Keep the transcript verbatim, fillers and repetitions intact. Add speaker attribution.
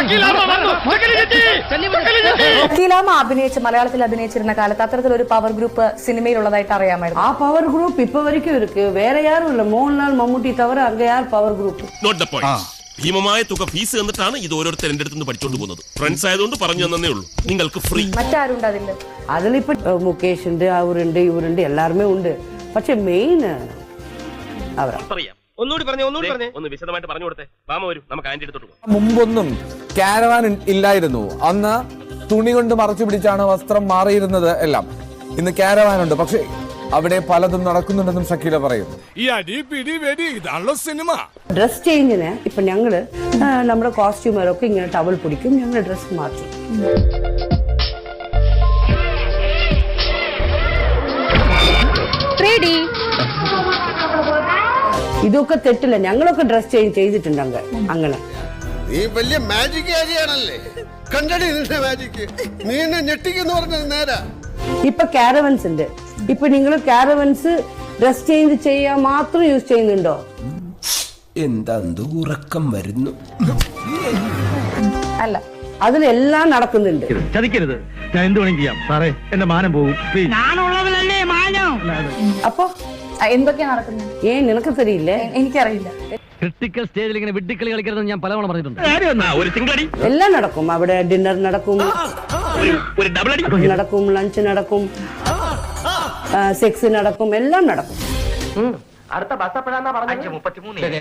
Speaker 1: വക്കീലാമ്മ അഭിനയിച്ച് മലയാളത്തിൽ അഭിനയിച്ചിരുന്ന കാലത്ത് അത്തരത്തിലൊരു പവർ ഗ്രൂപ്പ് സിനിമയിലുള്ളതായിട്ട് അറിയാമായിരുന്നു.
Speaker 2: ആ പവർ ഗ്രൂപ്പ് ഇപ്പൊ വരയ്ക്കും ഇருக்கு. വേറെ യാരും ഇല്ല. മോഹൻലാൽ മമ്മൂട്ടി തവറ അങ്ങ യാർ പവർ ഗ്രൂപ്പ്.
Speaker 3: ഭീമമായ തുക ഫീസ് എന്നിട്ടാണ് ഇത് ഓരോരുത്തർ എന്റെ അടുത്ത് പഠിച്ചോണ്ട് പോകുന്നത്. ഫ്രണ്ട്സ് ആയതുകൊണ്ട് പറഞ്ഞു തന്നേ ഉള്ളൂ. നിങ്ങൾക്ക് ഫ്രീ.
Speaker 1: മറ്റാരുണ്ട് അതില്?
Speaker 2: അതിലിപ്പോ മുകേഷ് ഉണ്ട്, അവരുണ്ട്, ഇവരുണ്ട്, എല്ലാരുമേ ഉണ്ട്. പക്ഷെ മെയിൻ അവരാ.
Speaker 3: ഒന്നുകൂടി പറഞ്ഞു ഒന്നുകൂടി പറഞ്ഞു ഒന്ന് വിശദമായിട്ട് പറഞ്ഞു കൊടുത്തേ. വാമ വരും, നമുക്ക് ആന്റി എടുത്തോട്ട് പോകാം.
Speaker 4: മുമ്പൊന്നും കാരവാൻ ഇല്ലായിരുന്നു. അന്ന് തുണി കൊണ്ട് മറച്ചു പിടിച്ചാണ് വസ്ത്രം മാറിയിരുന്നത് എല്ലാം. ഇന്ന് കാരവാൻ ഉണ്ട്. പക്ഷേ അവിടെ പലതും നടക്കുന്നുണ്ടെന്നും ഷക്കീല പറയുന്നു.
Speaker 5: ഈ അടി പിടി വെടി ഇതാണല്ലോ സിനിമ.
Speaker 2: ഡ്രസ് ചേഞ്ചിന് ഇപ്പൊ ഞങ്ങള് നമ്മുടെ കോസ്റ്റ്യൂമറൊക്കെ ഇങ്ങനെ ടവൽ പിടിക്കും, ഞങ്ങൾ ഡ്രസ് മാറ്റും. ഇതൊക്കെ തെറ്റില്ല. ഞങ്ങളൊക്കെ ഡ്രസ് ചേഞ്ച് ചെയ്തിട്ടുണ്ട് അങ്ങനെ.
Speaker 6: നീ വലിയ മാജിക് ആണല്ലേ, കണ്ടടി നിന്റെ മാജിക്. നീ എന്നെ ഞെട്ടിക്കെന്ന് പറഞ്ഞത് നേരാ.
Speaker 2: ഇപ്പൊ കാരവൻസ് ഉണ്ട്. ഇപ്പൊ നിങ്ങൾ കാരവൻസ് ഡ്രസ് ചേഞ്ച് ചെയ്യാൻ മാത്രം യൂസ് ചെയ്യുന്നുണ്ടോ?
Speaker 7: എന്താ ഉറക്കം വരുന്നു?
Speaker 1: അല്ല,
Speaker 2: അതിലെല്ലാം നടക്കുന്നുണ്ട്.
Speaker 8: ചതിക്കരുത്, ഞാൻ എന്ത് വേണമെങ്കിലും ചെയ്യാം സാറേ. എന്റെ മാനം പോകും.
Speaker 2: അപ്പൊ
Speaker 1: എന്തൊക്കെയാ നടക്കുന്നത്?
Speaker 2: ഏ നിനക്ക് തരില്ലേ?
Speaker 1: എനിക്കറിയില്ല.
Speaker 8: ക്രിട്ടിക്കൽ സ്റ്റേജിൽ ഇങ്ങനെ വിഡ്ഢിക്കളി കളിക്കരുതെന്ന് ഞാൻ പലവണ പറഞ്ഞിട്ടുണ്ട്.
Speaker 2: എല്ലാം നടക്കും. അവിടെ ഡിന്നർ നടക്കും, നടക്കും, ലഞ്ച് നടക്കും, സെക്സ് നടക്കും, എല്ലാം നടക്കും.